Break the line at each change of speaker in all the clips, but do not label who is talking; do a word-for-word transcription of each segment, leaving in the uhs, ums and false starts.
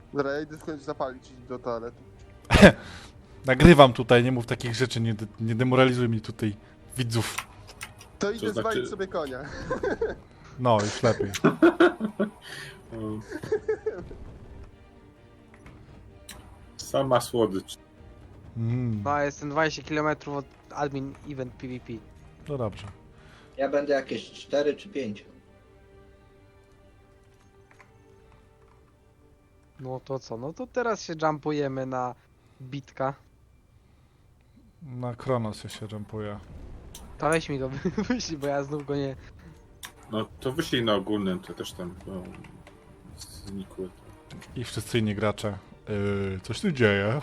Dobra, ja idę w końcu zapalić do toalety.
Nagrywam tutaj, nie mów takich rzeczy, nie, de nie demoralizuj mi tutaj widzów.
To idę
znaczy-
zwalić sobie konia.
No, już lepiej.
Sama słodycz.
Mm,
No, jestem dwadzieścia kilometrów od admin event PvP.
no dobrze.
Ja będę jakieś cztery czy pięć.
No to co? No to teraz się jumpujemy na bitka.
Na Kronos ja się jumpuję.
To weź mi go wyślij, bo ja znów go nie...
No to wyślij na ogólnym, to też tam no, znikły.
I wszyscy inni gracze. Yy, coś tu dzieje.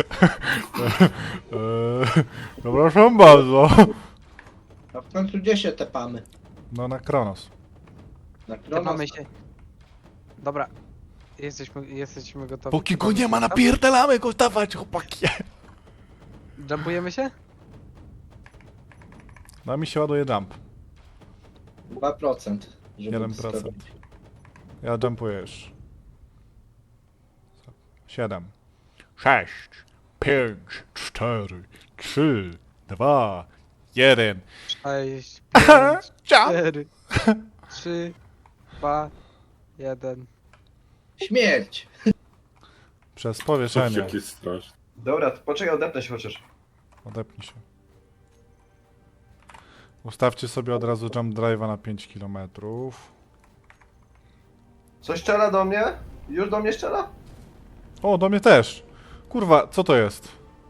yy, Przepraszam bardzo.
A w końcu gdzie się tepamy?
No na Kronos.
Na
Tepamy
Kronos?
się. Dobra. Jesteśmy, jesteśmy gotowi.
Póki go
Tepamy
nie
się
ma,
tam?
napierdalamy go, dawać chłopaki.
Jumpujemy się?
No mi się ładuje jump.
dwa procent. żeby
jeden procent.
zrobić.
Ja jumpuję już. siedem. sześć. pięć. cztery. trzy. dwa. jeden.
sześć,
Aha,
pięć,
jump.
cztery, trzy, dwa, jeden.
Śmierć!
Przez powieszenie.
Krzyk jest straszny.
Dobra, to poczekaj, odepnę się chociaż.
Odepnij się. Ustawcie sobie od razu jump drive'a na pięć kilometrów.
Coś strzela do mnie? Już do mnie strzela?
O, do mnie też. Kurwa, co to jest?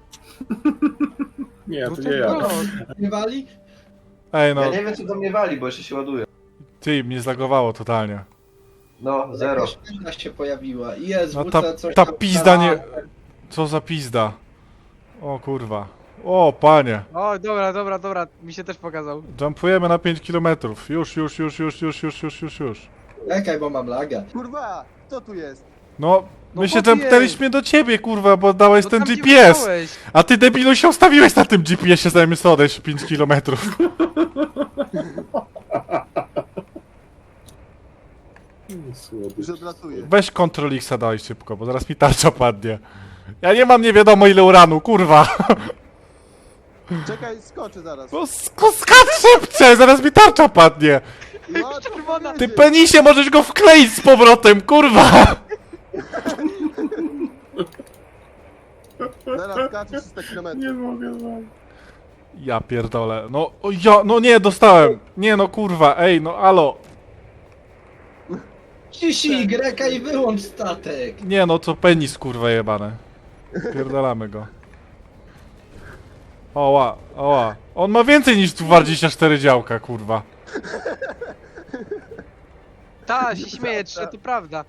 Nie,
No
to
to
nie ja.
no,
Nie wali?
Ej no,
Ja nie wiem co do mnie wali, bo jeszcze się ładuje.
ty, mnie zlagowało totalnie.
No, zero.
Jakaś pętla się pojawiła. Jezu,
No ta,
coś
ta
tam
pizda nie...
strzela.
Co za pizda. O kurwa. O, panie.
o, dobra, dobra, dobra, mi się też pokazał.
Jumpujemy na pięć kilometrów. Już, już, już, już, już, już, już, już, już.
Czekaj, bo mam laga.
Kurwa, kto tu jest?
No,
No
my się
chłopie.
jumpnęliśmy do ciebie, kurwa, bo dałeś
No
ten
tam
G
gdzie
P S.
wstałeś.
A ty debilu się ustawiłeś na tym G P S-ie zamiast odejść pięć kilometrów.
Słodycz.
Już odlatuję.
Weź Ctrl X daj szybko, bo zaraz mi tarcza padnie. Ja nie mam nie wiadomo ile uranu, kurwa.
Czekaj, skoczę zaraz.
No sk- skacz szybciej, zaraz mi tarcza padnie.
No, to
Czerwona.
Ty
powiedzieć.
penisie, możesz go wkleić z powrotem, kurwa.
Zaraz skaczę trzysta kilometrów.
Nie mogę wam.
Ja pierdolę, no o ja, no nie, dostałem. Nie no kurwa, ej, no alo.
Ciśnij Greka i wyłącz statek!
Nie no, to penis kurwa jebane. Pierdolamy go. Oła, oła. On ma więcej niż dwadzieścia cztery działka, kurwa.
Ta, się śmieje, czy to prawda.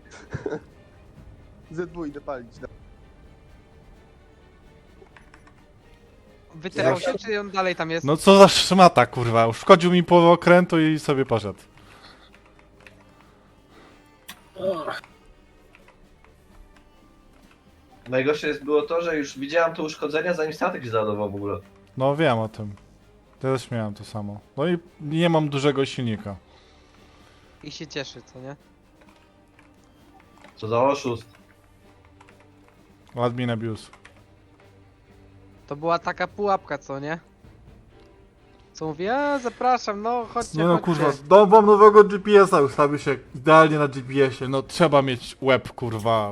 Z dwa idę palić.
Wyterał się, czy on dalej tam jest?
No co za szmata, kurwa. Uszkodził mi połowę okrętu i sobie poszedł.
Najgorsze jest było to, że już widziałem to uszkodzenia zanim statek się załadował w ogóle.
No wiem o tym. Też miałem to samo. No i nie mam dużego silnika.
I się cieszy, co nie?
Co za oszust.
Admin abuse.
To była taka pułapka, co nie? Co mówi, a zapraszam, no chodźcie,
Nie no
chodźcie.
kurwa, dom nowego G P S-a, ustawił się idealnie na G P S-ie. No trzeba mieć łeb, kurwa.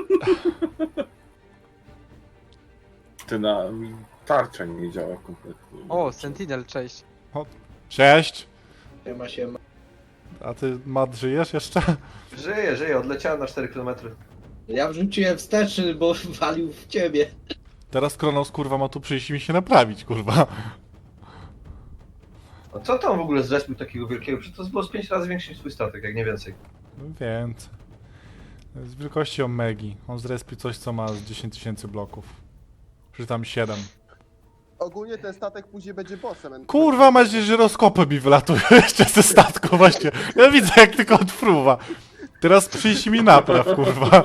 Ty na... tarcza nie działa kompletnie.
O, Sentinel, cześć.
Cześć.
Siema, siema.
A ty, Mat, żyjesz jeszcze?
Żyję, żyję, odleciałem na cztery kilometry.
Ja wrzuciłem wsteczny, bo walił w ciebie.
Teraz Kronos, kurwa, ma tu przyjść i mi się naprawić, kurwa.
A co tam w ogóle zrespił takiego wielkiego? Przecież to było z pięć razy większy niż swój statek, jak nie więcej.
No więcej. Z wielkości Omegi. On zrespi coś, co ma z dziesięć tysięcy bloków. Przy tam siedem.
Ogólnie ten statek później będzie bossem.
Kurwa, masz żyroskopy mi wylatują jeszcze ze statku, właśnie. Ja widzę, jak tylko odfruwa. Teraz przyjść mi napraw, kurwa.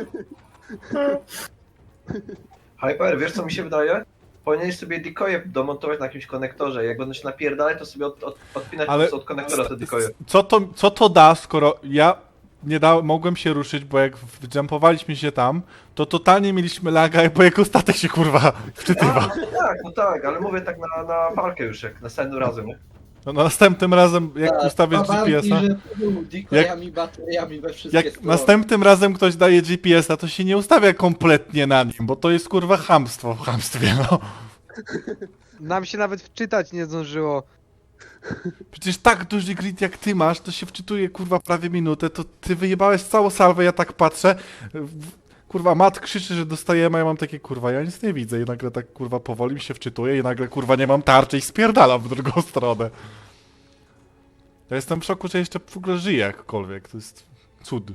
Hyper, wiesz co mi się wydaje? Powinieneś sobie decoje domontować na jakimś konektorze. Jak będą się napierdalać, to sobie od, od, odpinać
Ale-
po prostu od konektora te decoje.
Co to, co to da, skoro ja nie da, mogłem się ruszyć, bo jak jumpowaliśmy się tam, to totalnie mieliśmy laga, bo jako statek się kurwa wczytywał.
A, no tak, no tak, ale mówię tak na, na walkę już, jak następnym razem, nie?
No, no następnym razem, jak
Tak,
ustawiać
dwa walki,
G P S-a,
że decoyami, bateriami we wszystkie
jak
strony.
następnym razem ktoś daje G P S-a, to się nie ustawia kompletnie na nim, bo to jest kurwa chamstwo w chamstwie, no.
Nam się nawet wczytać nie zdążyło.
Przecież tak duży grid jak ty masz, to się wczytuje kurwa prawie minutę, to ty wyjebałeś całą salwę, ja tak patrzę, w- kurwa Mat krzyczy, że dostajemy, a ja mam takie kurwa, ja nic nie widzę i nagle tak kurwa powoli mi się wczytuje i nagle kurwa nie mam tarczy i spierdalam w drugą stronę. Ja jestem w szoku, że jeszcze w ogóle żyję jakkolwiek, to jest cud.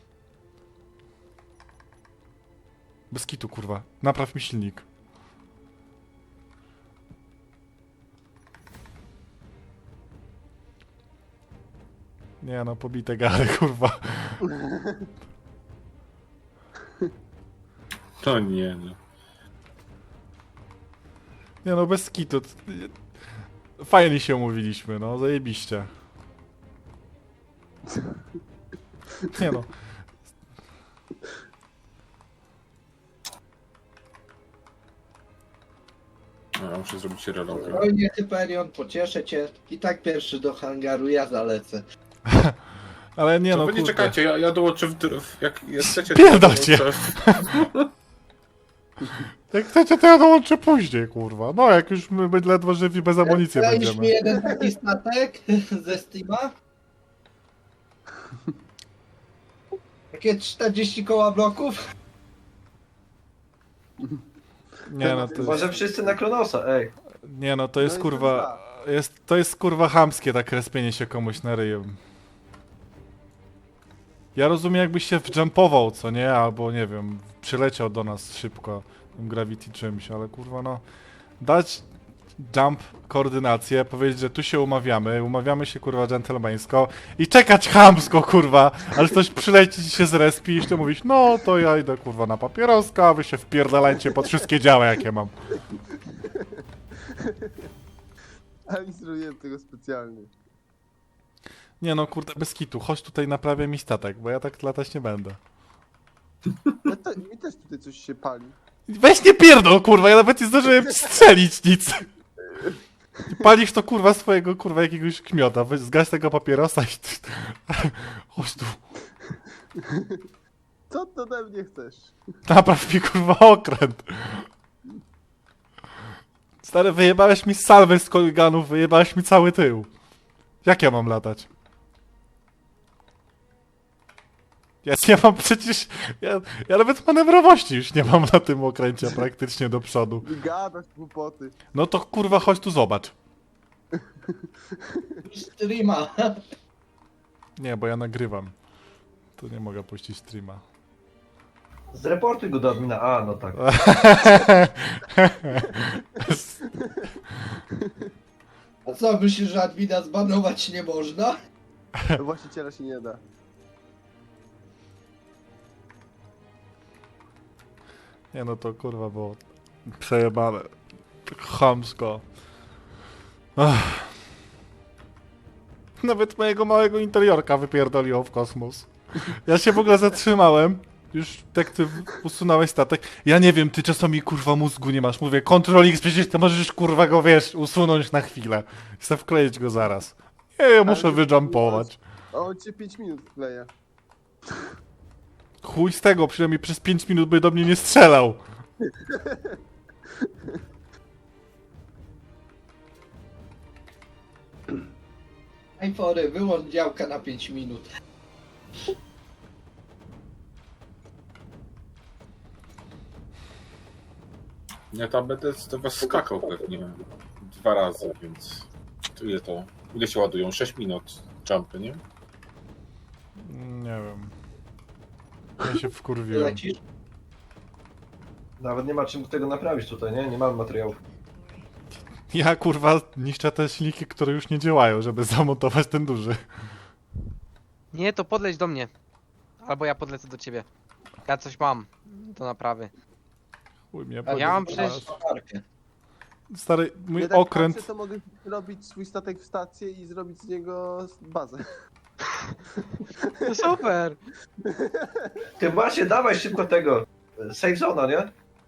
Bez kitu kurwa, napraw mi silnik. Nie no, pobite gary, kurwa.
To nie, no.
Nie no, bez kitu. Fajnie się umówiliśmy, no, zajebiście. Nie no.
No, ja muszę zrobić relogę.
Spokojnie, Hyperion, pocieszę cię. I tak pierwszy do hangaru, ja zalecę.
Ale nie
To
no,
wy nie
kurde.
czekajcie, ja, ja dołączę w, dr- w jak chcecie...
Pierdolcie.
to dołączę.
Jak chcecie, to ja dołączę później, kurwa. No, jak już my my ledwo żywi bez amunicji
Dajesz mi
będziemy.
jeden taki statek ze Steama? Takie czterdzieści koła bloków?
Nie no, to
Może
jest,
wszyscy na Kronosa, ej.
nie no, to jest
No i
kurwa... Jest, to jest kurwa chamskie, tak respienie się komuś na ryju. Ja rozumiem, jakbyś się wjumpował, co nie? Albo nie wiem, przyleciał do nas szybko tym Gravity czymś, ale kurwa no... Dać jump koordynację, powiedzieć, że tu się umawiamy, umawiamy się kurwa dżentelmeńsko i czekać chamsko kurwa, ale ktoś przyleci i się zrespi i jeszcze mówić, no to ja idę kurwa na papieroska, a wy się wpierdalajcie pod wszystkie działa jakie mam.
Ale nie zrobiłem tego specjalnie.
Nie no kurde, bez kitu, chodź tutaj naprawię mi statek, bo ja tak latać nie będę.
Ja te, mi też tutaj coś się pali.
Weź nie pierdol kurwa, ja nawet nie zdążyłem strzelić nic. Palisz to kurwa swojego kurwa jakiegoś kmiota, weź zgaś tego papierosa i... Chodź tu.
Co ty ode mnie chcesz?
Napraw mi kurwa okręt. Stary, wyjebałeś mi salwę z koliganów, wyjebałeś mi cały tył. Jak ja mam latać? Ja nie mam przecież... Ja, ja nawet manewrowości już nie mam na tym okręcie praktycznie do przodu.
Gadasz głupoty.
No to kurwa chodź tu zobacz.
Streama.
Nie, bo ja nagrywam. To nie mogę puścić streama.
Zreportuj go do admina. A, no tak.
A co, myślisz, że admina zbanować nie można?
Właściciela się nie da.
Nie no to kurwa było przejebane. Tak chamsko. Ach. Nawet mojego małego interiorka wypierdoliło w kosmos. Ja się w ogóle zatrzymałem. Już jak ty usunąłeś statek. Ja nie wiem, ty czasami kurwa mózgu nie masz. Mówię, Ctrl X, przecież ty możesz kurwa go, wiesz, usunąć na chwilę. Chcę wkleić go zaraz. Nie, ja muszę
Ale-
wyjumpować.
A on cię pięć minut wkleja.
Chuj z tego, przynajmniej przez pięć minut by do mnie nie strzelał.
iPhone, wyłącz działka na pięć minut.
Ja tam będę do was skakał pewnie dwa razy, więc... To ile to? Ile się ładują? sześć minut jumpy, nie?
Nie wiem. Ja się wkurwiłem.
Lecisz?
Nawet nie ma czym tego naprawić tutaj, nie? Nie mamy materiałów.
Ja kurwa niszczę te silniki, które już nie działają, żeby zamontować ten duży.
Nie, to podleć do mnie. Albo ja podlecę do ciebie. Ja coś mam do naprawy.
Chuj mnie
Ja mam
podnieś.
przecież-
Markę.
Stary, mój
Ja tak
okręt...
patrzę, to mogę robić swój statek w stację i zrobić z niego bazę.
No super.
Ty właśnie, dawaj szybko tego. Save zona, nie?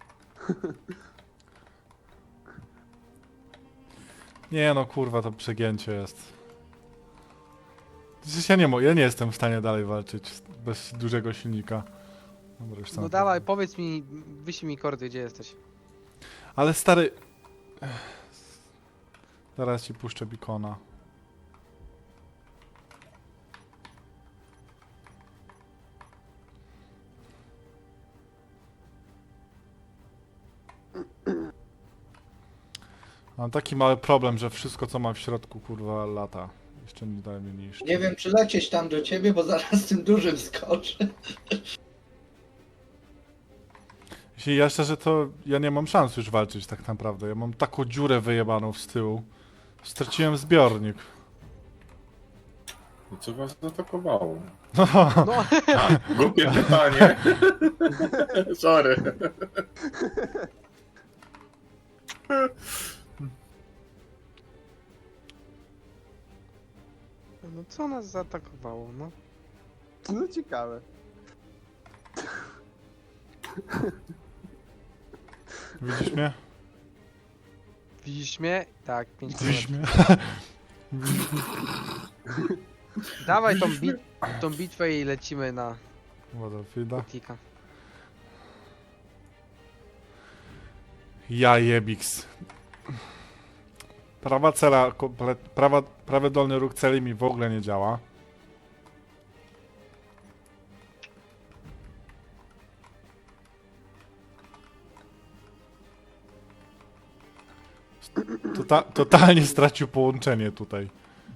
Nie no, kurwa, to przegięcie jest. Przecież ja nie, mo- ja nie jestem w stanie dalej walczyć bez dużego silnika. Dobra, już sam
No dawaj, powiedz mi, wyślij mi kordy, gdzie jesteś.
Ale stary... Zaraz ci puszczę bikona. Mam taki mały problem, że wszystko co mam w środku kurwa lata. Jeszcze nie dałem mi niszczyć.
Nie wiem, czy lecieć tam do ciebie, bo zaraz tym dużym skoczę.
Jeśli ja szczerze, to ja nie mam szans już walczyć tak naprawdę. Ja mam taką dziurę wyjebaną z tyłu. Straciłem zbiornik.
I co was zaatakowało?
No,
No,
A, głupie pytanie. Sorry.
no co nas zaatakowało, no?
No ciekawe.
widzisz mnie?
Widzisz mnie? Tak, pięć
Widzisz
kilometrów.
mnie?
Dawaj tą, bit tą bitwę i lecimy na
Battlefielda.
Tika.
Ja jebiks. Prawa cela, komplet, prawa, prawy dolny róg celi mi w ogóle nie działa. Tota, totalnie stracił połączenie tutaj.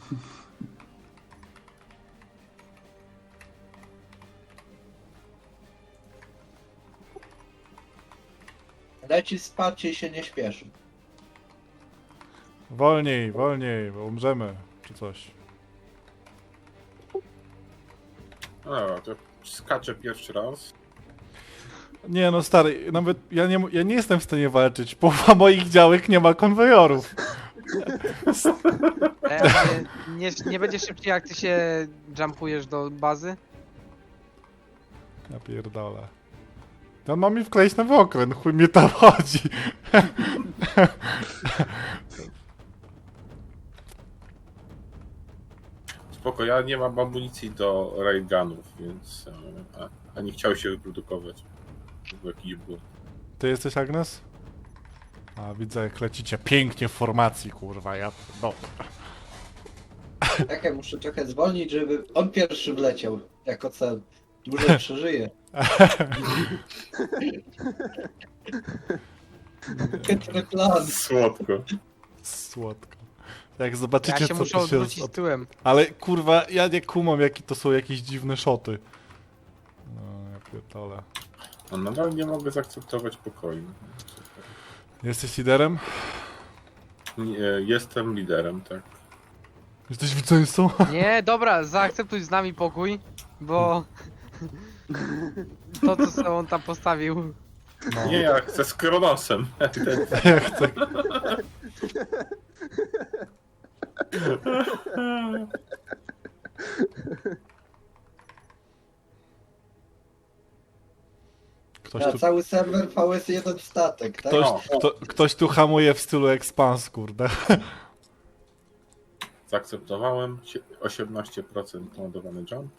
Leci spać i się nie śpieszy.
Wolniej, wolniej, bo umrzemy, czy coś.
No, to skaczę pierwszy raz.
Nie no stary, nawet ja nie, ja nie jestem w stanie walczyć. Połowa moich działek nie ma konwojorów.
E, ale nie, nie będzie szybciej jak ty się jumpujesz do bazy?
Ja pierdolę. To ma mi wkleić nowy okręt, chuj mnie tam chodzi.
Spoko, ja nie mam amunicji do raygunów, więc e, a, a nie chciał się wyprodukować. To był jakiś błąd.
Ty jesteś Agnes? A widzę jak lecicie pięknie w formacji, kurwa, ja... No.
Tak, ja muszę trochę zwolnić, żeby on pierwszy wleciał jako cel. Dłużej przeżyje. Chytry plan.
Słodko.
Słodko. Jak zobaczycie
Ja się
co
muszę
to się...
odwrócić
od-
tyłem.
Ale kurwa, ja nie kumam jakie to są jakieś dziwne szoty. No, ja pierdolę.
No, nadal nie mogę zaakceptować pokoju.
Jesteś liderem?
Nie, jestem liderem, tak.
Jesteś zwycięzcą?
Nie, dobra, zaakceptuj z nami pokój, bo to co sobie on tam postawił.
No.
Nie, ja chcę z Kronosem.
Ja chcę. Ktoś
Na
tu,
cały serwer V S jeden statek, tak?
ktoś,
No.
kto, ktoś tu hamuje w stylu expans, kurde.
Zaakceptowałem sie- osiemnaście procent ładowany jump.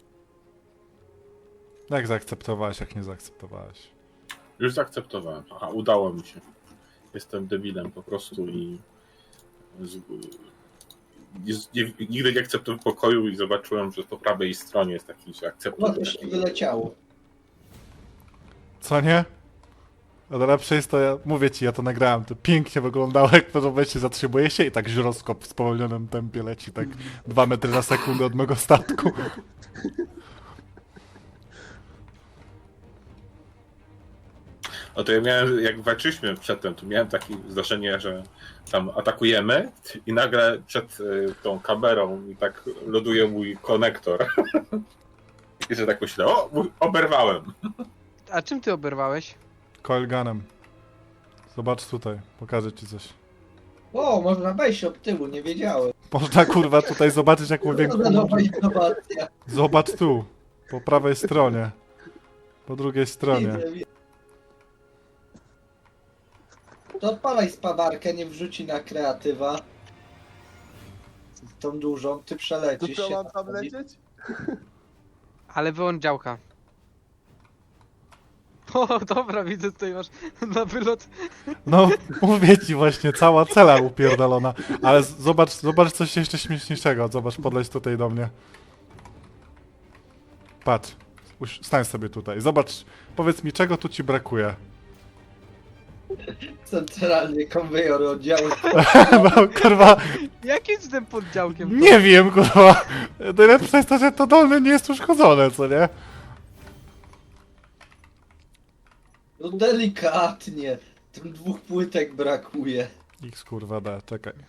Jak zaakceptowałeś, jak nie zaakceptowałeś?
Już zaakceptowałem. Aha, udało mi się. Jestem debilem po prostu i z... jest- nie, nigdy nie akceptuję pokoju i zobaczyłem, że po prawej stronie jest taki, że
No
akceptuję.
coś mi wyleciało.
Co nie? A najlepsze jest to, ja mówię ci, ja to nagrałem, to pięknie wyglądało, jak w pewnym momencie zatrzymuje się i tak żyroskop w spowolnionym tempie leci, tak dwa metry na sekundę od mego statku.
No to ja miałem, jak walczyliśmy przedtem, to miałem takie zdarzenie, że tam atakujemy i nagle przed y, tą kamerą mi tak loduje mój konektor. I że tak myślę, o, mój- oberwałem.
A czym ty oberwałeś?
Coilgunem. Zobacz tutaj, pokażę ci coś.
O, można wejść od tyłu, nie wiedziałem.
Można kurwa tutaj zobaczyć jak
To
łowię.
nowa innowacja.
Zobacz tu, po prawej stronie. Po drugiej stronie.
Widzę, widzę. To odpalaj spawarkę, nie wrzuci na kreatywa. Tą dużą, ty
To
przelecisz
co,
się.
mam tam lecieć?
Ale wyłącz działka. O, dobra, widzę, tutaj masz na wylot.
No, mówię ci właśnie, cała cela upierdolona. Ale z- zobacz, zobacz coś jeszcze śmieszniejszego. Zobacz, podleć tutaj do mnie. Patrz, uś- stań sobie tutaj. Zobacz, powiedz mi, czego tu ci brakuje.
Centralnie konwejor oddziału.
No, kurwa,
Jakim z tym poddziałkiem? to?
nie wiem, kurwa. Najlepsze jest to, że to dolne nie jest uszkodzone, co nie?
No delikatnie. Tym dwóch płytek brakuje.
X kurwa da, czekaj.